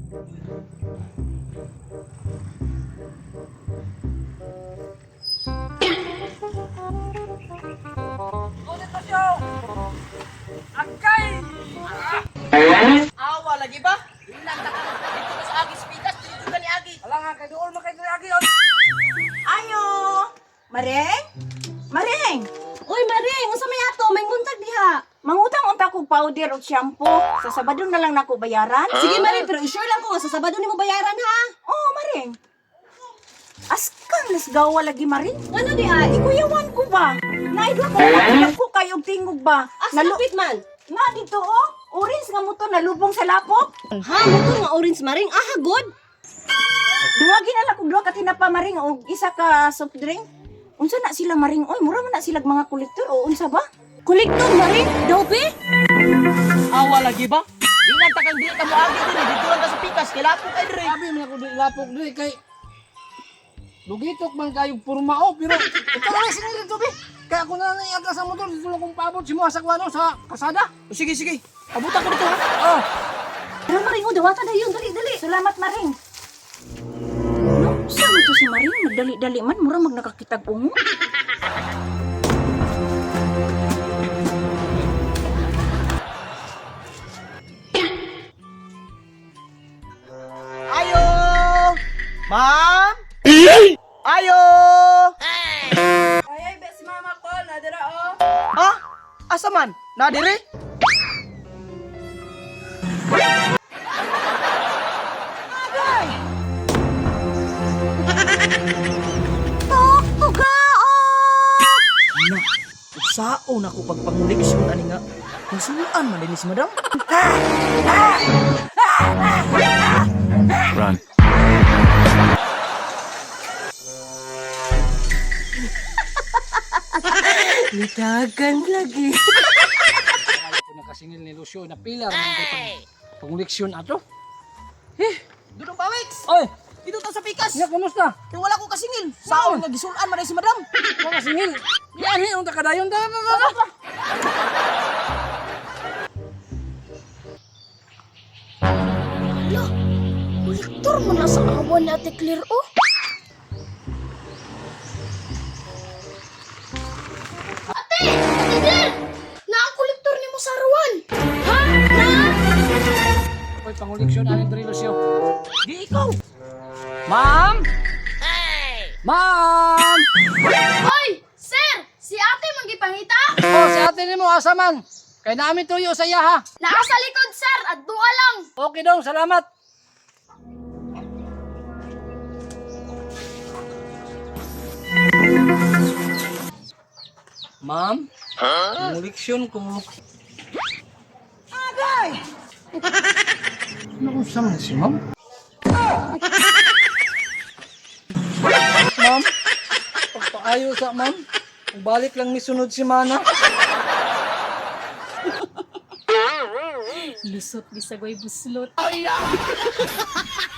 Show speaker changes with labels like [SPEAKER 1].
[SPEAKER 1] Awa lagi ba? Ilan ta ka? Dito ka sa Agi Spitas, dito ka ni Agi. Ala nga kay dool makay ni Agi.
[SPEAKER 2] Ayo! Mareng? Mareng!
[SPEAKER 3] Uy, Maring, unsa may ato? May nguntag diha.
[SPEAKER 2] Mangutang-unta ko powder o shampoo. Sa Sabado na lang nako bayaran.
[SPEAKER 3] Sige, Maring, pero i-sure lang ko nga sa Sabado nimo bayaran ha.
[SPEAKER 2] Oh, Mareng. Askang lasgawa lagi, Mareng.
[SPEAKER 3] Ano di ay?
[SPEAKER 2] Ikuyawan ko ba? Naidwa ko makilang ko kayong tingog ba?
[SPEAKER 3] Asa kapit man?
[SPEAKER 2] Nga dito oh. Orange nga mo to nalubong sa lapok.
[SPEAKER 3] Ha, motor nga orange, Maring. Ah, good.
[SPEAKER 2] Duwagi na lang kung duwa ka tinapa, Maring, o isa ka soft drink. Unsa na sila, Maring? Oy, mura man na sila mga kolektor o unsa ba?
[SPEAKER 3] Kolektor, Maring. Dope?
[SPEAKER 1] Awa lagi ba? Ilan ta kang di ka mo Agi dire, dito lang ka sa Pikas, kay lapok kay dire.
[SPEAKER 4] Sabi mo ako di lapok di kay lugitok man kayong purmao pero ito lang sinili to be. Kaya ako na lang iagla sa motor dito lang kong paabot si mo sa kwano sa kasada.
[SPEAKER 1] O, sige, sige. Abutan ko dito ha.
[SPEAKER 4] Oh,
[SPEAKER 3] Pero Maring, oh, dawata na yun. Dali, dali.
[SPEAKER 2] Salamat, Maring. No, saan mo to si Maring? Magdali-dali man, mura mag nakakitag ungo.
[SPEAKER 1] Ayo! Ma'am? Ayo!
[SPEAKER 2] Ay, bes mama ko, nadira oh.
[SPEAKER 1] Ha? Asa man? Na dire? Na, usaon ako pagpanguliksyon ani nga. Nasulaan man din si madam.
[SPEAKER 5] Run.
[SPEAKER 3] Litagan lagi.
[SPEAKER 4] kaya ko nakasingil ni Lucio na pilar man kay panguliksyon ato.
[SPEAKER 1] Dudong Bawix!
[SPEAKER 4] Oy,
[SPEAKER 1] Dito ta sa Pikas.
[SPEAKER 4] nya kumusta?
[SPEAKER 1] Kaya wala ko kasingil. Saon nga gisulaan man din si madam.
[SPEAKER 4] Mo kasingil. Yan hi unta kadayon ta.
[SPEAKER 3] Kolektor mo na sa awan ni Ate Clear, oh. Ate! Ate Clear! Na ang kolektor ni mo sa arawan. Ha? Na?
[SPEAKER 4] Oy, panguliksyon ani diri Lucio.
[SPEAKER 1] Di ikaw. Ma'am? Ma'am!
[SPEAKER 3] Hoy! Sir! Si ate magipangita?
[SPEAKER 4] Oh, si ate nimo asa man? Kay namin tuyo sa iya ha.
[SPEAKER 3] Naa sa likod, sir! At dua lang!
[SPEAKER 4] Okay dong, salamat. Ma'am? Panguliksyon ko.
[SPEAKER 2] Agay!
[SPEAKER 4] Ano sa man si ma'am? Ma'am? Pagpaayo sa ma'am. Balik lang ni sunod si Mana.
[SPEAKER 3] Lusot, bisagoy buslot.